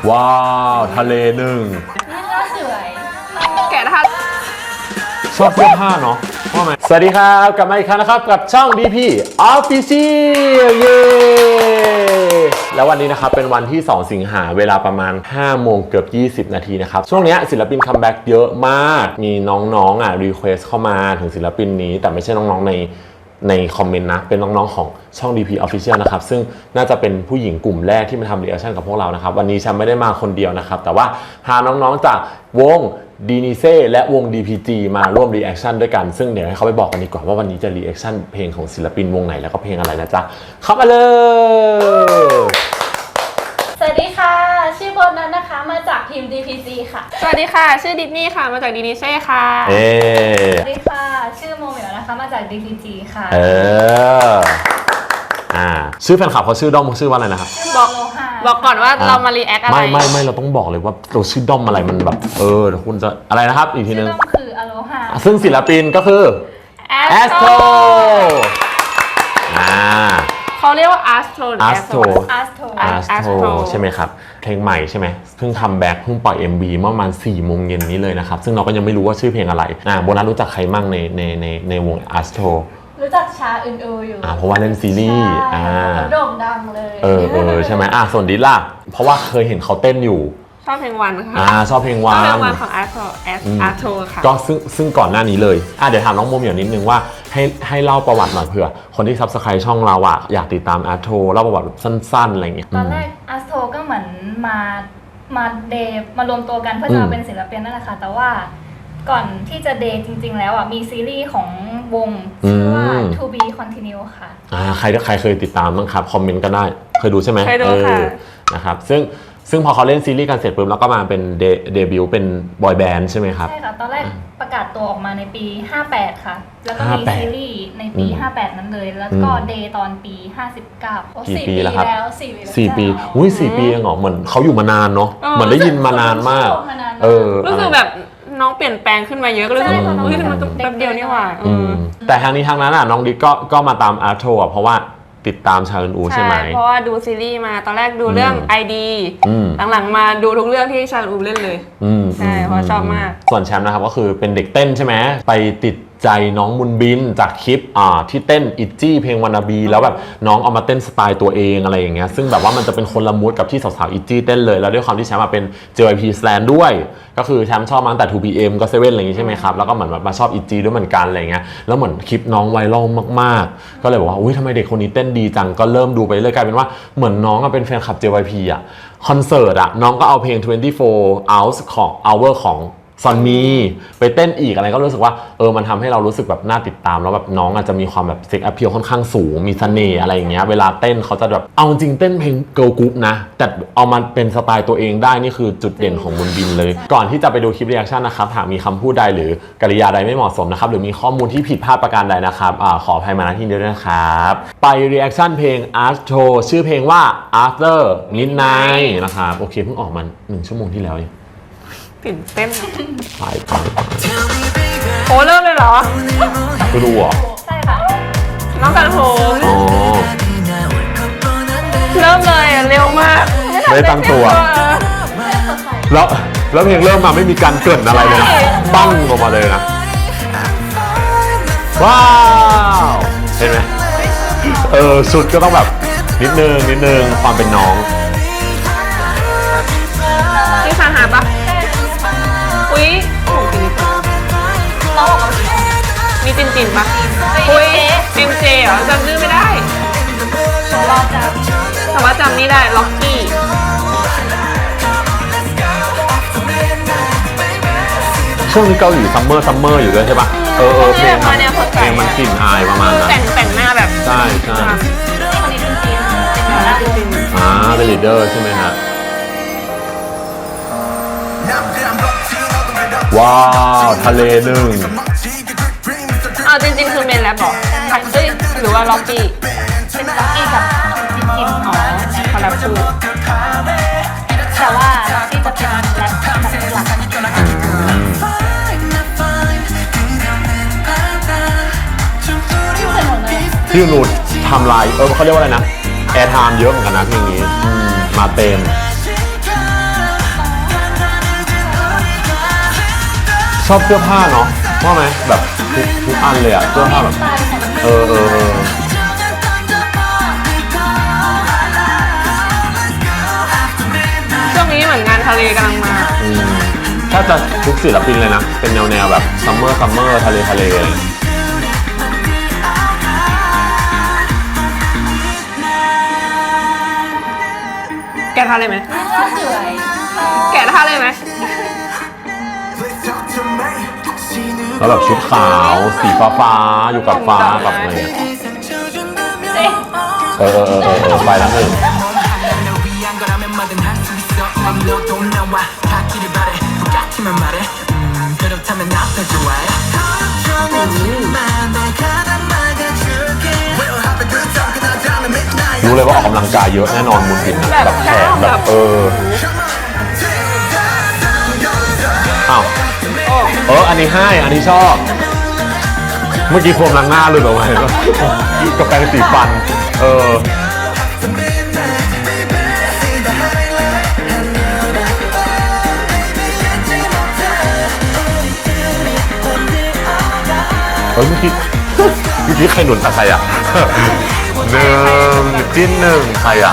ว้าวทะเลหนึ่งนี่ก็สวยแกะท่าชอบเสื้อผ้าเนาะว่าไหมสวัสดีครับกลับมาอีกครั้งนะครับกับช่อง DP Official เย้แล้ววันนี้นะครับเป็นวันที่2สิงหาเวลาประมาณ5โมงเกือบ20นาทีนะครับช่วงนี้ศิลปินคัมแบ็กเยอะมากมีน้องๆรีเควสเข้ามาถึงศิลปินนี้แต่ไม่ใช่น้องๆในคอมเมนต์นะเป็นน้องๆของช่อง DP Official นะครับซึ่งน่าจะเป็นผู้หญิงกลุ่มแรกที่มาทำรีแอคชั่นกับพวกเรานะครับวันนี้ฉันไม่ได้มาคนเดียวนะครับแต่ว่าพาน้องๆจากวงดีนิเซ่และวง DPG มาร่วมรีแอคชั่นด้วยกันซึ่งเดี๋ยวให้เขาไปบอกกันดีกว่าว่าวันนี้จะรีแอคชั่นเพลงของศิลปินวงไหนแล้วก็เพลงอะไรนะจ๊ะเข้ามาเลยสวัสดีค่ะชื่อโบนัสนะคะมาจากทีม DPG ค่ะสวัสดีค่ะชื่อดิสนีย์ค่ะมาจากดีนิเซ่ค่ะสวัสดีค่ะชื่อโมเหมียวนะคะมาจาก DPG ค่ะชื่อแฟนคลับเขาชื่อด้อมเขาชื่อว่าอะไรนะครับบอกก่อนว่าเรามารีแอคอะไรไม่เราต้องบอกเลยว่าเราชื่อด้อมอะไรมันแบบคุณจะอะไรนะครับอีกทีนึงชื่อด้อมคืออโลฮาซึ่งศิลปินก็คือแอสโตรเขาเรียกว่าอาร์สโตรใช่ไหมครับเพลงใหม่ใช่ไหมเพิ่งคัมแบ็กเพิ่งปล่อย MV เมื่อประมาณ4โมงเย็นนี้เลยนะครับซึ่งเราก็ยังไม่รู้ว่าชื่อเพลงอะไรโบนัสรู้จักใครมั่งในวงอาร์สโตรรู้จักชาอึนอยู่เพราะว่าเล่นซีรีส์โด่งดังเลยใช่ไหมส่วนดิล่ะเพราะว่าเคยเห็นเขาเต้นอยู่ชอบเพลงวันค่ะชอบเพลงวันของอาร์โทค่ะก็ซึ่งก่อนหน้านี้เลยเดี๋ยวถามน้องโมเหมียวนิดนึงว่าให้เล่าประวัติหน่อยเผื่อคนที่ซับสไครต์ช่องเราอยากติดตามอาร์โทเล่าประวัติสั้นๆอะไรอย่างเงี้ยตอนแรกอาร์โทก็เหมือนมาเดย์มารวมตัวกันเพื่อจะมาเป็นศิลปินนั่นแหละค่ะแต่ว่าก่อนที่จะเดย์จริงๆแล้วมีซีรีส์ของวงชื่อว่า To Be Continue ค่ะใครเคยติดตามบ้างครับคอมเมนต์ก็ได้เคยดูใช่ไหมเคยดูค่ะนะครับซึ่งพอเขาเล่นซีรีส์กันเสร็จปุ๊บแล้วก็มาเป็นเดบิวต์เป็นบอยแบนด์ใช่ไหมครับใช่ค่ะตอนแรกประกาศตัวออกมาในปี58ค่ะแล้วก็มีซีรีส์ในปี58นั้นเลยแล้วก็เดย์ตอนปี59 4 ปีแล้วครับ 4 ปี 4 ปีเองเหรอเหมือนเขาอยู่มานานเนาะเหมือนได้ยินมานานมากรู้สึกแบบน้องเปลี่ยนแปลงขึ้นมาเยอะก็เลยมันแป๊บเดียวนี่หว่าแต่ทางนี้ทางนั้นน้องดิ๊กก็มาตามอาร์โทเพราะว่าติดตามชาอึนอูใช่ไหมเพราะว่าดูซีรีส์มาตอนแรกดูเรื่อง ID หลังๆมาดูทุกเรื่องที่ชาอึนอูเล่นเลยใช่เพราะชอบมากส่วนแชมป์นะครับก็คือเป็นเด็กเต้นใช่ไหมไปติดใจน้องมุนบินจากคลิปที่เต้นอิจจี้เพลงวานาบีแล้วแบบน้องเอามาเต้นสไตล์ตัวเองอะไรอย่างเงี้ยซึ่งแบบว่ามันจะเป็นคนละมูดกับที่สาวๆอิจจี้เต้นเลยแล้วด้วยความที่แชมป์เป็น JYP Stan ด้วยก็คือแชมป์ชอบมาตั้งแต่ 2PM ก็ 7อะไรอย่างงี้ใช่ไหมครับแล้วก็เหมือนแบบมาชอบอิจจี้ด้วยเหมือนกันอะไรเงี้ยแล้วเหมือนคลิปน้องไวรัลมากๆก็เลยบอกว่าอุ้ยทำไมเด็กคนนี้เต้นดีจังก็เริ่มดูไปเรื่อยกลายเป็นว่าเหมือนน้องเป็นแฟนคลับ JYP คอนเสิร์ตน้องก็เอาเพลง24 hours ของ hour ของซอนมีไปเต้นอีกอะไรก็รู้สึกว่ามันทำให้เรารู้สึกแบบน่าติดตามแล้วแบบน้องอาจจะมีความแบบเซ็กแอพเพียลค่อนข้างสูงมีเสน่ห์อะไรอย่างเงี้ยเวลาเต้นเขาจะแบบเอาจริงเต้นเพลงเกิร์ลกรุ๊ปนะแต่เอามาเป็นสไตล์ตัวเองได้นี่คือจุดเด่นของบุญบินเลยก่อนที่จะไปดูคลิปรีแอคชั่นนะครับหากมีคำพูดใดหรือกริยาใดไม่เหมาะสมนะครับหรือมีข้อมูลที่ผิดพลาดประการใดนะครับขออภัยมาณที่นี้ด้วยนะครับไปรีแอคชั่นเพลง Astro ชื่อเพลงว่า After Midnight นะครับโอเคเพิ่งออกมา1 ชั่วโมงที่แล้วตื่นเต้นไปโอ้เริ่มเลยเหรอก็ดูเหรอใช่ค่ะน้องกันโหเริ่มเลยเร็วมากไม่ตั้งตัวแล้วเพลงเริ่มมาไม่มีการเกริ่นอะไรเลยนะปั้งออกมาเลยนะว้าวเห็นไหมสุดก็ต้องแบบนิดนึงความเป็นน้องที่สาหาปะอุ้ยน้องบอกว่ามีจินปะอุ้ยMJเหรอจำชื่อไม่ได้แต่ว่าจำนี่ได้ล็อกกี้ช่วงนี้เกาหลีซัมเมอร์อยู่ด้วยใช่ปะเพลงมันกลิ่นอายประมาณนั้นแต่งหน้าแบบใช่คนนี้จริงเป็นลีดเดอร์ใช่ไหมฮะว้าวทะเลหนึ่งจริงๆคือเมนแรปหรอหรือว่าล็อกกี้เป็นล็อกกี้กับจินคอลแลบคู่แต่ว่าล็อกกี้จะเป็นแรปแบบหลักที่นูดทำลายเขาเรียกว่าอะไรนะแอร์ไทม์เยอะเหมือนกันนะเพลงนี้มาเต็มชอบเสื้อผ้าเนาะว่าไหมแบบทุกอันเลยอะเสื้อผ้าแบบสไตล์ของเออช่วงนี้เหมือนงานทะเลกำลังมาถ้าจะทุกศิลปินเลยนะ เป็นแนวแบบซัมเมอร์ทะเลอะไรอย่างเงี้ยแกะท่าเลยไหมสวยแกะท่าเลยไหมแล้วแบบชุดขาวสีฟ้าอยู่กับฟ้ากับอะไรเงี้ยเอ๊ะไปแล้วหนึ่งรู้เลยว่าออกกำลังกายเยอะแน่นอนมุนบินนะแบบแขนแบบอ้าวอันนี้ให้อันนี้ชอบ เมื่อกี้โคมล้างหน้าเลยแบบว่าเห็นปะกับแปรงสีฟันเมื่อกี้ใครหนุนใครอ่ะหนึ่งจิ้นหนึ่งใครอ่ะ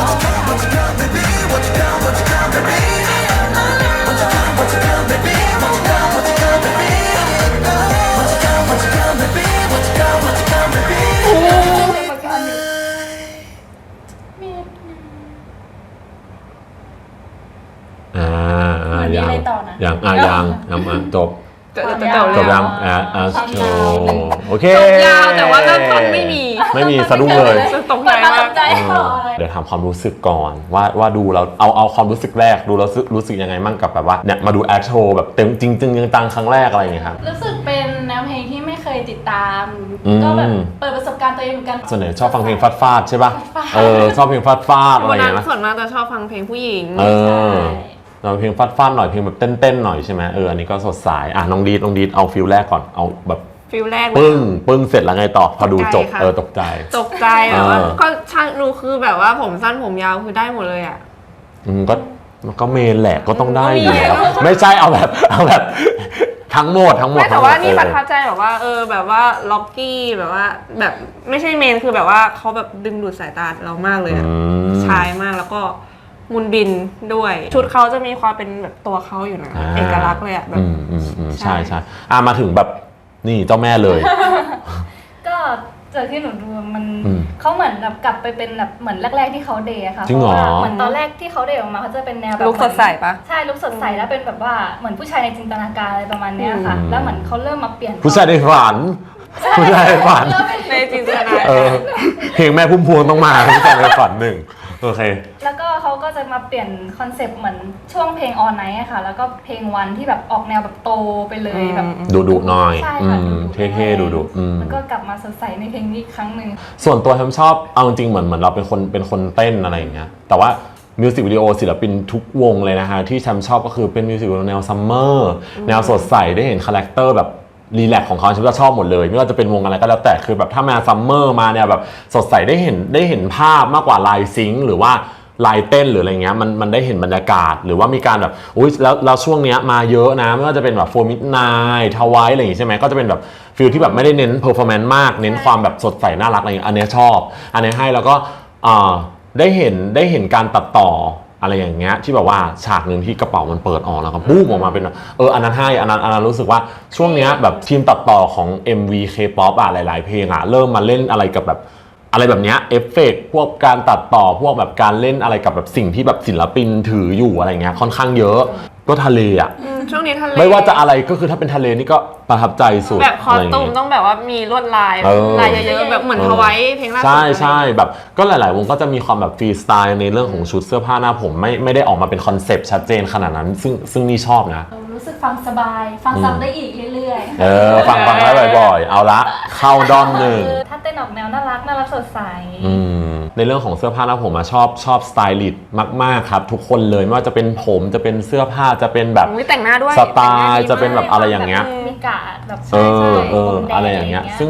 ยังจบจบจบยังโชโอเคจบยาวแต่ว่าเริ่มต้นไม่มีสะดุ้งเลยตกใจมากเดี๋ยวถามความรู้สึกก่อนว่าดูแล้วเอาความรู้สึกแรกดูแล้วรู้สึกยังไงมั่งกับแบบว่าเนี่ยมาดูแอคโชว์แบบเต็มจริงจังครั้งแรกอะไรอย่างเงี้ยครับรู้สึกเป็นแนวเพลงที่ไม่เคยติดตาม ก็แบบเปิดประสบการณ์ตัวเองเหมือนกันส่วนใหญ่ชอบฟังเพลงฟาดใช่ป่ะชอบเพลงฟาดอะไรวันอย่างนั้นเงี้ยส่วนมากจะชอบฟังเพลงผู้หญิงเราเพลงฟาดหน่อยเพลงแบบเต้นหน่อยใช่ไหมอันนี้ก็สดใสน้องดีดเอาฟิลแรกก่อนเอาแบบฟิลแรกปึ้งเสร็จแล้วไงต่อพอดูจบตกใจแบบว่าก็ช่างดูคือแบบว่าผมสั้นผมยาวคือได้หมดเลยอ่ะก็เมนแหละก็ต้องได้อยู่แล้วไม่ใช่เอาแบบทั้งหมดไม่แต่ว่านี่ประทับใจแบบว่าแบบว่าล็อกกี้แบบว่าแบบไม่ใช่เมนคือแบบว่าเขาแบบดึงดูดสายตาเรามากเลยอะชายมากแล้วก็มุนบินด้วยชุดเขาจะมีความเป็นแบบตัวเขาอยู่นะเอกลักษณ์เลยอะแบบใช่มาถึงแบบนี่เจ้าแม่เลยก็จากที่หนูดูมันเขาเหมือนแบบกลับไปเป็นแบบเหมือนแรกๆที่เขาเดย์ค่ะจริงเหรอเหมือนตอนแรกที่เขาเดย์ออกมาเขาจะเป็นแนวแบบลุคสดใสปะใช่ลุคสดใสแล้วเป็นแบบว่าเหมือนผู้ชายในจินตนาการอะไรประมาณเนี้ยค่ะแล้วเหมือนเขาเริ่มมาเปลี่ยนผู้ชายในฝันในจินตนาการเพลงแม่พุ่มพวงต้องมาผู้ชายในฝันหนึ่งโอเคแล้วก็เขาก็จะมาเปลี่ยนคอนเซปต์เหมือนช่วงเพลง All Night อะค่ะแล้วก็เพลงวันที่แบบออกแนวแบบโตไปเลยแบบดุหน่อยใช่ค่ะเท่ๆดุแล้วก็กลับมาสดใสในเพลงนี้อีกครั้งหนึ่งส่วนตัวผมชอบเอาจริงเหมือนเราเป็นคนเต้นอะไรอย่างเงี้ยแต่ว่ามิวสิกวิดีโอศิลปินทุกวงเลยนะฮะที่ฉันชอบก็คือเป็นมิวสิกวิดีโอแนวซัมเมอร์แนวสดใสได้เห็นคาแรคเตอร์แบบรีแลกซ์ของเขาฉันจะชอบหมดเลยไม่ว่าจะเป็นวงอะไรก็แล้วแต่คือแบบถ้ามาซัมเมอร์มาเนี่ยแบบสดใสได้เห็นภาพมากกว่าลายซิงค์หรือว่าลายเต้นหรืออะไรเงี้ยมันได้เห็นบรรยากาศหรือว่ามีการแบบอุ้ยแล้วช่วงเนี้ยมาเยอะนะไม่ว่าจะเป็นแบบ4 Midnight ทวายอะไรอย่างงี้ใช่ไหมก็จะเป็นแบบฟีลที่แบบไม่ได้เน้นเพอร์ฟอร์แมนซ์มากเน้นความแบบสดใสน่ารักอะไรเงี้ยอันเนี้ยชอบอันนี้ให้แล้วก็ได้เห็นการตัดต่ออะไรอย่างเงี้ยที่แบบว่าฉากหนึ่งที่กระเป๋ามันเปิดออกแล้วก็บูมออกมาเป็นอันนั้นให้อันนั้นรู้สึกว่าช่วงเนี้ยแบบทีมตัดต่อของ MV K-pop หลายๆเพลงเริ่มมาเล่นอะไรกับแบบอะไรแบบเนี้ยเอฟเฟกต์พวกการตัดต่อพวกแบบการเล่นอะไรกับแบบสิ่งที่แบบศิลปินถืออยู่อะไรเงี้ยค่อนข้างเยอะก็ทะเลช่วงนี้ทะเลไม่ว่าจะอะไรก็คือถ้าเป็นทะเลนี่ก็ประทับใจสุดแบบคอสตูมต้องแบบว่ามีลวดลายเยอะๆแบบเหมือนทวายเพลงล่าสุดใช่แบบก็หลายๆวงก็จะมีความแบบฟรีสไตล์ในเรื่องของชุดเสื้อผ้าหน้าผมไม่ได้ออกมาเป็นคอนเซปต์ชัดเจนขนาดนั้นซึ่งนี่ชอบนะรู้สึกฟังสบายฟังซ้ำได้อีกเรื่อยๆฟังได้บ่อยๆเอาละเข้าด้อมหนึ่งถ้าเต้นออกแนวน่ารักสดใสในเรื่องของเสื้อผ้าหน้าผมชอบสไตลิสต์มากๆครับทุกคนเลยไม่ว่าจะเป็นผมจะเป็นเสื้อผ้าจะเป็นแบบแต่งหน้าด้วยสไตล์จะเป็นแบบอะไรอย่างเงี้ยมีกาดแบบอะไรอย่างเงี้ยซึ่งแบบ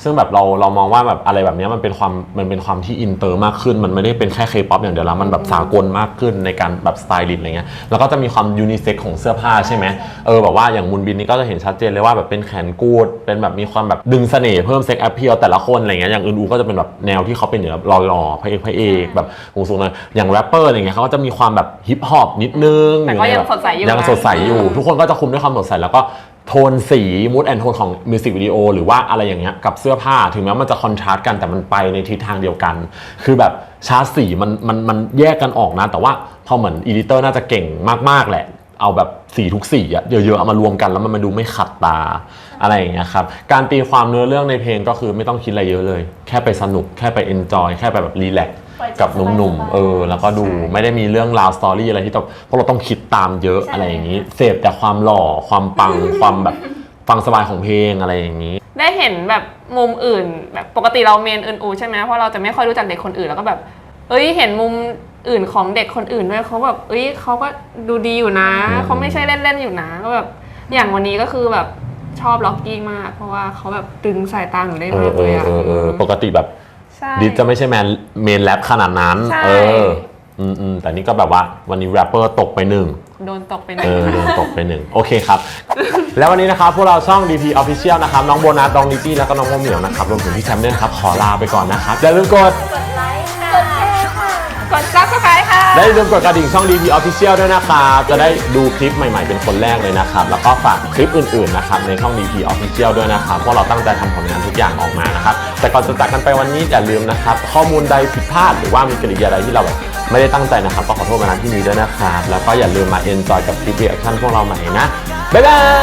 ซึ่งแบบเรามองว่าแบบอะไรแบบนี้มันเป็นความที่อินเตอร์มากขึ้นมันไม่ได้เป็นแค่เคป๊อปอย่างเดียวแล้วมันแบบสากลมากขึ้นในการแบบสไตลิสต์อะไรเงี้ยแล้วก็จะมีความยูนิเซ็กของเสื้อผ้าใช่ไหมแบบว่าอย่างมุนบินนี่ก็จะเห็นชัดเจนเลยว่าแบบเป็นแขนกูดเป็นแบบมีความแบบดึงเสน่ห์เพิ่มเซ็กแอพเพียลแต่ละคนอะไรเงี้ยอย่างอื่นๆก็จะเป็นแบบแนวที่เขาเป็นอยู่แล้วหล่อๆพระเอกแบบสูงๆเลยอย่างแรปเปอร์อะไรเงี้ยเขาก็จะมีความแบบฮิปฮอปนิดนึงแต่ก็ยังสดใสอยู่ยังสดใสอยู่ทุกคนก็จะคุมด้วยความสดใสแล้วก็โทนสีมูดแอนโทนของมิวสิกวิดีโอหรือว่าอะไรอย่างเงี้ยกับเสื้อผ้าถึงแม้มันจะคอนทราสต์กันแต่มันไปในทิศทางเดียวกัน คือแบบชาร์ตสีมันแยกกันออกนะแต่ว่าพอเหมือนอีดิเตอร์น่าจะเก่งมากๆแหละเอาแบบสีทุกสีอะเยอะๆเอามารวมกันแล้วมันดูไม่ขัดตาอะไรอย่างเงี้ยครับการตีความเนื้อเรื่องในเพลงก็คือไม่ต้องคิดอะไรเยอะเลยแค่ไปสนุกแค่ไปเอนจอยแค่ไปแบบรีแลกซ์กับหนุ่มๆแล้วก็ดูไม่ได้มีเรื่องราวสตอรี่อะไรที่พวกเราต้องคิดตามเยอะอะไรอย่างนี้เสพแต่ความหล่อความปัง ความแบบฟังสบายของเพลงอะไรอย่างนี้ได้เห็นแบบมุมอื่นแบบปกติเราเมนอื่นๆใช่ไหมเพราะเราจะไม่ค่อยรู้จักเด็กคนอื่นแล้วก็แบบเห็นมุมอื่นของเด็กคนอื่นด้วยเขาแบบเขาก็ดูดีอยู่นะเขาไม่ใช่เล่นๆอยู่นะก็แบบอย่างวันนี้ก็คือแบบชอบล็อกกี้มากเพราะว่าเขาแบบดึงสายตาหนูได้มากเลยอะปกติแบบดิสจะไม่ใช่เมนแรปขนาดนั้นแต่นี่ก็แบบว่าวันนี้แรปเปอร์ตกไปหนึ่งโดนตกไปหนึ่งโดนตกไปหนึ่งโอเคครับ แล้ววันนี้นะครับพวกเราช่อง DP Official นะครับน้องโบนัสน้องนิจี้แล้วก็น้องโมเหมียวนะครับรวมถึงพี่แชมป์ด้วยนะครับขอลาไปก่อนนะครับอย่าลืมกดไลค์ค่ะกดแชร์ค่ะกด Subscribe ค่ะและอย่าลืมกดกระดิ่งช่อง DP Official ด้วยนะครับจะได้ดูคลิปใหม่ๆเป็นคนแรกเลยนะครับแล้วก็ฝากคลิปอื่นๆนะครับในช่อง DP Official ด้วยนะครับเพราะเราตั้งใจทำผลงานทุกอย่างออกมานะครับแต่ก่อนจะจากกันไปวันนี้อย่าลืมนะครับข้อมูลใดผิดพลาดหรือว่ามีกริยาใดที่เราไม่ได้ตั้งใจนะครับก็ขอโทษมาณที่นี้ด้วยนะครับแล้วก็อย่าลืมมา enjoy กับคลิป reaction พวกเราใหม่นะบ๊ายบาย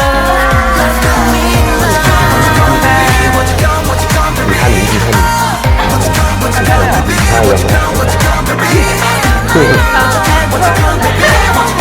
มีท่านี้ใช่เลย